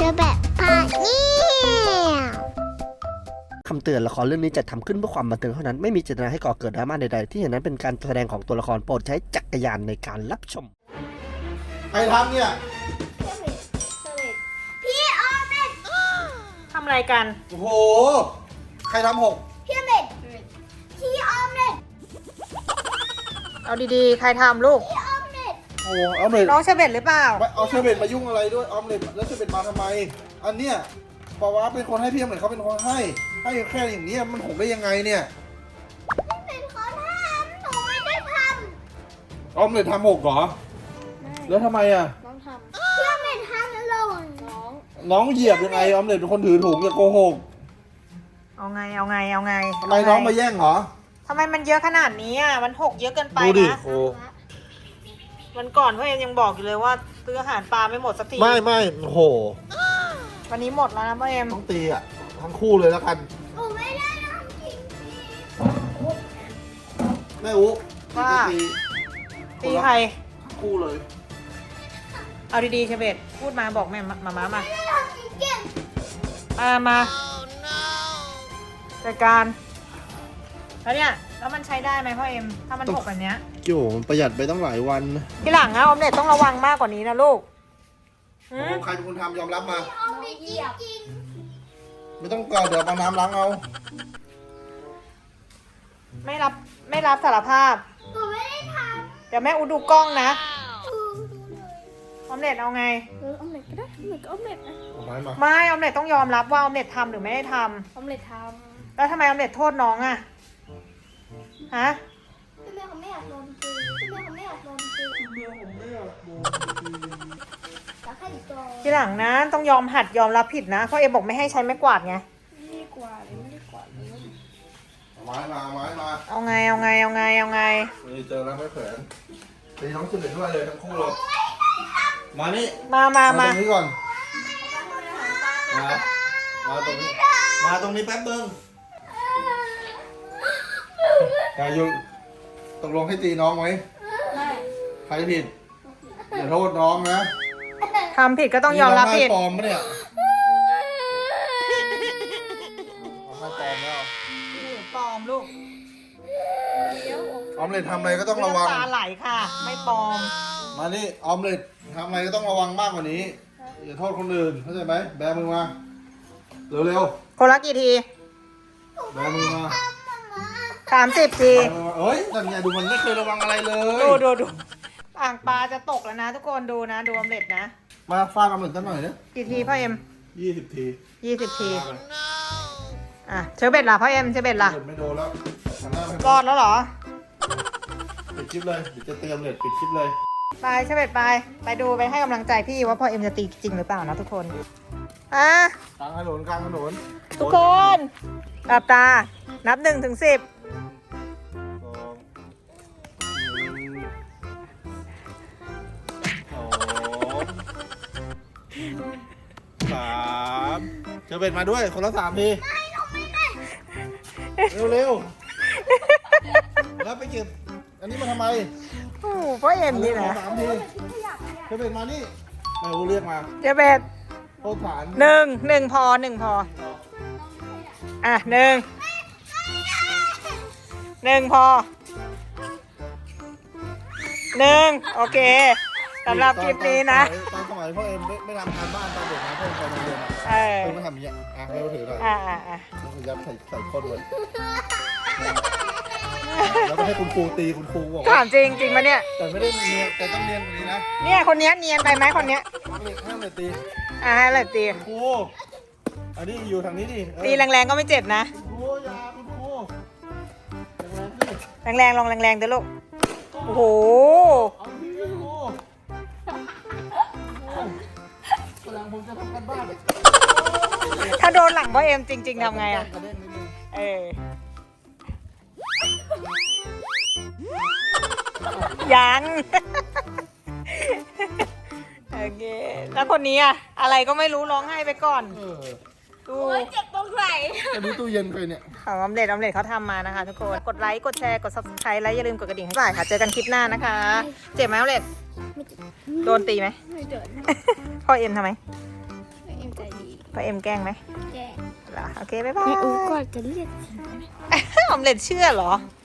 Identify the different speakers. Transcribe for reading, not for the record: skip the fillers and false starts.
Speaker 1: แบบพาเนี่ย
Speaker 2: คำเตือนละครเรื่องนี้จัดทำขึ้นเพื่อความบันเทิงเท่านั้นไม่มีเจตนาให้ก่อเกิดดราม่าใดๆที่เห็นนั้นเป็นการแสดงของตัวละครโปรดใช้จักรยานในการรับชม
Speaker 3: ใครทำเนี่ย
Speaker 1: พี่ออมเล็ต
Speaker 4: ทำอะไรกัน
Speaker 3: โอ้โห ใครทำหก
Speaker 1: พี่ออมเล็ตพี่ออมเล็ต
Speaker 4: เอาดีๆ ใครทำลูก
Speaker 1: พี่ออมเล็ต
Speaker 3: โอ้ออมเล็ต
Speaker 4: น้องเชเบตหรือเปล่า
Speaker 3: เอาเชอร์เบตมายุ่งอะไรด้วยออมเล็ตแล้วเชอร์เบตมาทำไม อันเนี้ยปาวะเป็นคนให้พี่ออมเล็ตเขาเป็นคนให้แค่อย่างเนี้ยมันหกได้ยังไงเนี่ย
Speaker 1: ไม่เป็นคนทำหนูไม่ได้ท
Speaker 3: ออมเล็ตทำหกเหรอแล้วทำไมอ่ะ
Speaker 1: ำพี่ออมเล็ตทำหล่น
Speaker 3: น้องเหยียบยังไงออมเล็ตเป็นคนถือถุงอย่าโกหก
Speaker 4: เอาไง
Speaker 3: ทำไมน้องมาแย่งเหรอ
Speaker 4: ทำไมมันเยอะขนาดนี้อ่ะ มันหกเยอะเกินไป
Speaker 3: ดูดิ
Speaker 4: นะ
Speaker 3: โอ้
Speaker 4: วันก่อนพ่อเอ็มยังบอกอยู่เลยว่าซื้ออาหารปลาไม่หมดสักที
Speaker 3: ไม่โอ้โห
Speaker 4: วันนี้หมดแล้วนะพ่อเอ็ม
Speaker 3: ต้องตีอ่ะทั้งคู่เลยแล้วกัน
Speaker 1: หนูไม่ได้ทำจริง
Speaker 3: แม่อุ๊
Speaker 4: ว่า
Speaker 3: ตี
Speaker 4: ตีใคร
Speaker 3: ทั้งคู่เลย
Speaker 4: เอาดีๆเชเบตพูดมาบอกแม่มา
Speaker 1: ไม่ได้ทำจริง
Speaker 4: มาจัดการแล้วเนี่ยแล้วมันใช้ได้ไหมพ่อเอ็มถ้ามันหกแบบเนี้ย
Speaker 3: โย่มันประหยัดไปตั้งหลายวัน
Speaker 4: ทีหลังนะออมเล็ตต้องระวังมากกว่านี้นะลูก
Speaker 3: โอ้ใครเป็นคนทำยอมรับมา
Speaker 1: ๆออมเล็ตจริง
Speaker 3: ไม่ต้องกอดเดี๋ยวเอาน้ำล้างเอา
Speaker 4: ไม่รับสารภาพ
Speaker 1: ๆหนูไม่ได้ท
Speaker 4: เดี๋ยวแม่อูดูกล้องนะ
Speaker 1: ำดูเลย
Speaker 4: ออมเล็ตเอาไง
Speaker 1: ออมเล็ตก็ได้ออมเล็ตก็ออมเล็ตนะ
Speaker 3: เอาไม้มา
Speaker 4: ไม่ออมเล็ตต้องยอมรับว่าออมเล็ตทำหรือไม่ได้ท
Speaker 1: ออมเล็ตท
Speaker 4: ำแล้วทำไมออมเล็ตโทษน้องอะฮะ
Speaker 1: ำพี่แม่เขาไม่อยากโดนตีพี่แม่เขาไม่อยากโดนตีแต่แค่อีกตัว
Speaker 4: ทีหลังนะต้องยอมหัดยอมรับผิดนะเพราะเอ็มบอกไม่ให้ใช้ไม้กวาดไง
Speaker 1: ไม่ได้กว่าเลยไม่ได้กว่าเลย
Speaker 3: เอาไม้มาเอาไม้มา
Speaker 4: เอาไง
Speaker 3: นี่เจอแล้วไม่แขวนตีน้องสุดเด็ดด้วยเลยทั้งคู่เลยมานี่
Speaker 4: มา
Speaker 3: ตรงนี้ก่อนมาตรงนี้มาตรงนี้แป๊บนึงกายุตกลงให้ตีน้องไหมใครผิดอย่าโทษน้องนะ
Speaker 4: ทำผิดก็ต้องยอมรับผิด
Speaker 3: นี่ร้องไห้ปลอมปะเนี่ยร้องไห้ปลอมแล้ว
Speaker 4: ปลอมลูก
Speaker 3: ออมเล็ตทำอะไรก็ต้องระวัง
Speaker 4: น้ำตาไหลค่ะ ไม่ปลอม
Speaker 3: มานี่ออมเล็ตทำอะไรก็ต้องระวังมากกว่านี้อย่าโทษคนอื่นเข้าใจไหมแบมือมาเร็ว
Speaker 4: คนละกี่ที
Speaker 3: ๆแบมือมา
Speaker 4: 30 ที
Speaker 3: แบมือมาเอ้ยนั่นไงดูมันไม่เคยระวังอะไรเลย
Speaker 4: ดูอ่างปลาจะตกแล้วนะทุกคนดูนะดูออมเล็ตนะ
Speaker 3: มาฟาดออมเล็ตกันหน่อยนะ
Speaker 4: กี่ทีพ่อเอ็ม
Speaker 3: 20 ที
Speaker 4: 20 ทีอ่ะเชอเบตล่ะพ่อเอ็มเชอเบตล่ะ
Speaker 3: เล็ตไม่โดนแล้วหันหน้าไป
Speaker 4: รอดแล้วเหรอ
Speaker 3: ปิดคลิปเลยเดี๋ยวจะเตรียมเล็ตปิดคลิปเลย
Speaker 4: ไปเชอเบตไปดูไปให้กำลังใจพี่ว่าพ่อเอ็มจะตีจริงหรือเปล่านะทุกคนอ่ะ
Speaker 3: กลางถนนกลางถนน
Speaker 4: ทุกคนหลับตานับ1 ถึง 10
Speaker 3: 2 1 2 3เจอเบ็ดมาด้วยคนละ3 ทีเร็วๆแล้วไปเก็บอันนี้มาทำไม
Speaker 4: โอ้โหพ่อเอ็มนี่นะ
Speaker 3: 3 ทีเจอเบ็ดมานี่แม่อูเรียกมา
Speaker 4: เชอเบต
Speaker 3: โทษฐาน
Speaker 4: หนึ่งพออ่ะหนึ่งพอโอเคสำหรับคลิปนี้นะ
Speaker 3: ตอนสมัยพ่อเอ็มไม่ทำการบ้านตอนเด็กนะพ่อเอ็มไปโรงเรียน
Speaker 4: เออ
Speaker 3: ไม่ทำอย่างเงี้ยอ่ะไม่ถือหน่อย
Speaker 4: อ่ะ
Speaker 3: แล้วก็ยัดใส่ข้อด้วยแล้วก็ให้คุณครูตีคุณครูบอก
Speaker 4: ถามจริงปะเนี่ย
Speaker 3: แต่ไม่ได้เนียนแต่ต้องเนียนกว่านี้นะ
Speaker 4: เนี่ยคนเนี้ยเนียนไปไหมคนเนี้ย
Speaker 3: ห้ามเลยตี
Speaker 4: อ่ะให้เลยตี
Speaker 3: คุณครูอันนี้อยู่ทางนี้ดิ
Speaker 4: ตีแรงๆก็ไม่เจ็บนะ
Speaker 3: คุณครูยาคุณครู
Speaker 4: แรงๆลองแรงๆเด้อลูกโอ้โห
Speaker 3: เอาที่คุณครูกำลังผมจะทำกันบ้าน
Speaker 4: ถ้าโดนหลังพ่อเอ็มจริงๆทำไงอ่ะ
Speaker 3: กระเด้งนิดนึง
Speaker 4: เออยัง โอเคแล้วคนนี้อ่ะอะไรก็ไม่รู้ร้องไห้ไปก่อน ดู
Speaker 1: เจ็บตรงไหน
Speaker 3: อันนี้ตู้เย็นไปเนี่ย
Speaker 4: ของออมเล็ตเขาทำมานะคะทุกคนกดไลค์กดแชร์กด subscribe และอย่าลืมกดกระดิ่งให้ฝ่ายค่ะเจอกันคลิปหน้านะคะ เจ็บไหมออมเล็ตโดนตีไหม
Speaker 1: ไม่เดิน
Speaker 4: พ่อเอ็มทำไม
Speaker 1: เอ็มใจ
Speaker 4: พ่อเอ็มแกล้งไหม
Speaker 1: แก
Speaker 4: เหรอโอเคบ๊ายบาย
Speaker 1: อูก็จะเรียก
Speaker 4: ออมเล็ตเชื่อเหรอ